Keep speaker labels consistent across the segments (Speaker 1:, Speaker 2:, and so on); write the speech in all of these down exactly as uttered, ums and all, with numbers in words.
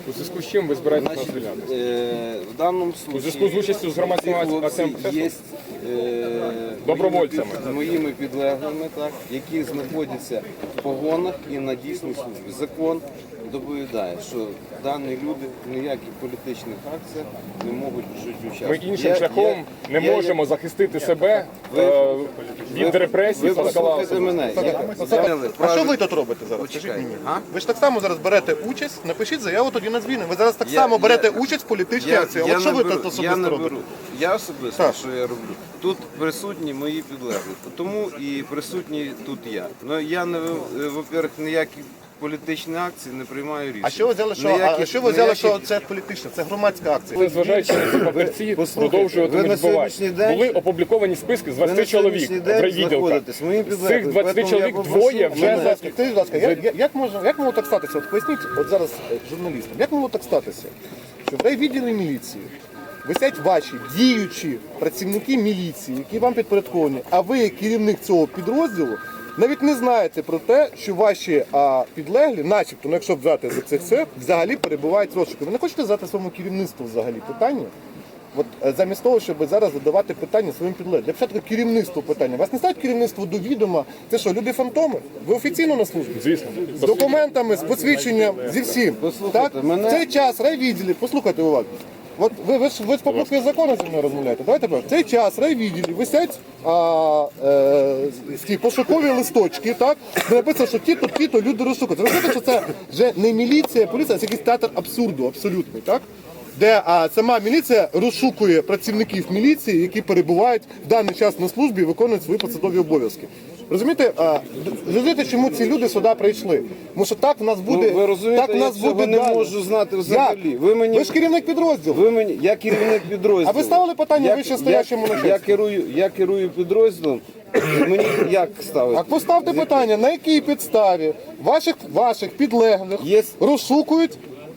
Speaker 1: У зв'язку з чим ви збираєтесь нас
Speaker 2: Значит,
Speaker 1: звільняти?
Speaker 2: э, в данном
Speaker 1: У зв'язку з
Speaker 2: случае
Speaker 1: участю з громадським акцієм
Speaker 2: є е,
Speaker 1: Добровольцями.
Speaker 2: моїми, моїми підлеглими, так, які знаходяться в погонах і на дійсній службі. Закон доповідає, що дані люди в ніяких політичних акціях не можуть жити
Speaker 1: Ми
Speaker 2: участвувати.
Speaker 1: іншим
Speaker 2: Я-
Speaker 1: шляхом
Speaker 2: я-
Speaker 1: не
Speaker 2: я-
Speaker 1: можемо захистити себе
Speaker 2: Ви-
Speaker 1: е, від репресій.
Speaker 2: Ви послухайте
Speaker 1: Салкалаусу.
Speaker 2: мене.
Speaker 3: А що ви тут робите зараз? Скажіть
Speaker 2: Почекайте.
Speaker 3: мені.
Speaker 2: А?
Speaker 3: Ви ж так само зараз берете участь, напишіть заяву тоді на звільнення. Ви зараз так
Speaker 2: Я-
Speaker 3: само берете
Speaker 2: я-
Speaker 3: участь в політичній
Speaker 2: Я,
Speaker 3: акції.
Speaker 2: я,
Speaker 3: От що
Speaker 2: не
Speaker 3: ви
Speaker 2: беру,
Speaker 3: тут
Speaker 2: я
Speaker 3: особисто
Speaker 2: не
Speaker 3: робите?
Speaker 2: беру. Я особисто,
Speaker 3: Так.
Speaker 2: що я роблю. Тут присутні мої підлеглі, тому і присутній тут я. Ну я не ви- во-первых, ніякі політичні акції не приймаю рішення.
Speaker 3: А що ви взяли, що,
Speaker 2: Ніякі-
Speaker 3: а що ви взяли,
Speaker 2: ніякі-
Speaker 3: що це політична, це громадська акція?
Speaker 1: Незважаючи на ці папірці,
Speaker 2: послухайте,
Speaker 1: продовжуватимуть
Speaker 2: ви на
Speaker 1: вбивати.
Speaker 2: сьогоднішній день-
Speaker 1: Були опубліковані списки з
Speaker 2: Ви на
Speaker 1: двадцяти чоловік
Speaker 2: сьогоднішній
Speaker 1: в
Speaker 2: день
Speaker 1: райвідділках.
Speaker 2: знаходитесь моїм
Speaker 1: З
Speaker 2: підлеглим,
Speaker 1: цих двадцяти
Speaker 2: поэтому
Speaker 1: чоловік
Speaker 2: я попрошу
Speaker 1: двоє вже
Speaker 2: мене-
Speaker 1: за...
Speaker 3: Скажіть, будь ласка, як, як, як, можна, як могло так статися? От поясніть, от зараз е, журналістам, як могло так статися, що в райвідділі міліції висять ваші діючі працівники міліції, які вам підпорядковані, а ви, як керівник цього підрозділу, навіть не знаєте про те, що ваші а, підлеглі, начебто, ну якщо взяти за це все, взагалі перебувають в розшуку. Ви не хочете задати своєму керівництву взагалі питання? От е, замість того, щоб зараз задавати питання своїм підлеглим. Для початку керівництву питання. Вас не ставить керівництво до відома. Це що, люди фантоми? Ви офіційно на службі?
Speaker 1: Звісно.
Speaker 3: З документами, з посвідченням, зі всім.
Speaker 2: Послухайте,
Speaker 3: Так?
Speaker 2: мене-
Speaker 3: В цей час райвідділі, послухайте уважно. От ви, ви ж ви ж по букві закону зі мною розмовляєте. Давайте так. В цей час райвідділі висять а, е, ті пошукові листочки, так? Де написано, що ті-то, ті-то люди розшукують. Ви розумієте, що це вже не міліція, поліція, це якийсь театр абсурду, абсолютний, так? Де а, сама міліція розшукує працівників міліції, які перебувають в даний час на службі і виконують свої посадові обов'язки. Розумієте, а, розумієте, чому ці люди сюди прийшли? Тому що так в нас буде,
Speaker 2: Ну, ви розумієте,
Speaker 3: так в нас
Speaker 2: я цього
Speaker 3: буде
Speaker 2: не
Speaker 3: далі.
Speaker 2: можу знати взагалі.
Speaker 3: Як?
Speaker 2: Ви мені-
Speaker 3: ви ж керівник підрозділу.
Speaker 2: Ви мені, я керівник підрозділу.
Speaker 3: А ви ставили питання
Speaker 2: Я-
Speaker 3: вищестоячому
Speaker 2: я,
Speaker 3: начальству?
Speaker 2: я керую, я керую підрозділом. Мені як ставити?
Speaker 3: А поставте питання, на якій підставі ваших, ваших підлеглих
Speaker 2: Є-
Speaker 3: розшукують,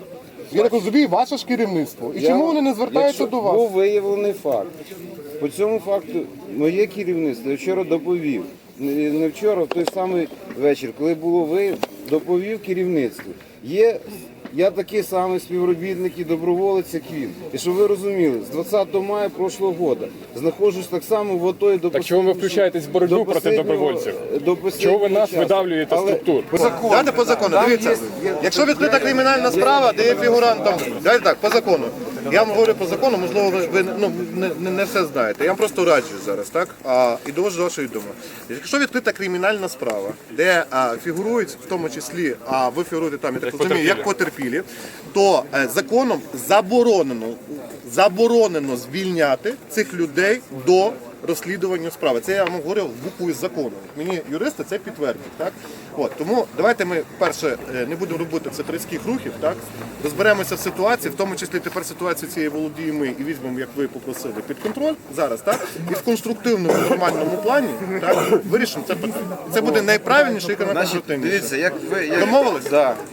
Speaker 3: я так розумію, ваше ж керівництво. І
Speaker 2: Я-
Speaker 3: чому вони не звертаються
Speaker 2: якщо
Speaker 3: до вас?
Speaker 2: Був виявлений факт. По цьому факту моє керівництво я вчора доповів. Не не вчора, в той самий вечір, коли було виявлено, доповів керівництву. Є я такий самий співробітник і доброволець, як він. І щоб ви розуміли, з двадцятого мая прошлого року знаходжусь так само в АТО і до
Speaker 1: Так чому ви
Speaker 2: останнього-
Speaker 1: включаєтесь в боротьбу
Speaker 2: до
Speaker 1: проти
Speaker 2: останнього-
Speaker 1: добровольців?
Speaker 2: до
Speaker 1: Чого ви
Speaker 2: останнього
Speaker 1: нас
Speaker 2: часу.
Speaker 1: видавлюєте з
Speaker 2: Але-
Speaker 1: структур?
Speaker 3: Давайте по закону.
Speaker 2: Там
Speaker 3: Дивіться,
Speaker 2: є- є-
Speaker 3: якщо відкрита кримінальна справа, де є фігурантом, давайте так, по закону. Я вам говорю по закону, можливо, ви, ви ну, не, не, не все знаєте. Я вам просто раджу зараз, так? А, і довожу до вашої думи. Якщо відкрита кримінальна справа, де а, фігурують, в тому числі, а ви фігуруєте там, я так розумію, як потерпілі, то е, законом заборонено, заборонено звільняти цих людей до розслідування справи. Це я вам говорив буквою закону. Мені юристи це підтвердять. Так? От, тому давайте ми перше е, не будемо робити центристських рухів, так? Розберемося в ситуації, в тому числі тепер ситуацію цієї володіємо ми і візьмемо, як ви попросили, під контроль зараз, так? І в конструктивному, нормальному плані так, вирішимо це питання. Це буде найправильніше і
Speaker 2: Значить,
Speaker 3: найконструктивніше.
Speaker 2: дивіться, як ви... Як...
Speaker 3: Домовились?
Speaker 2: Да.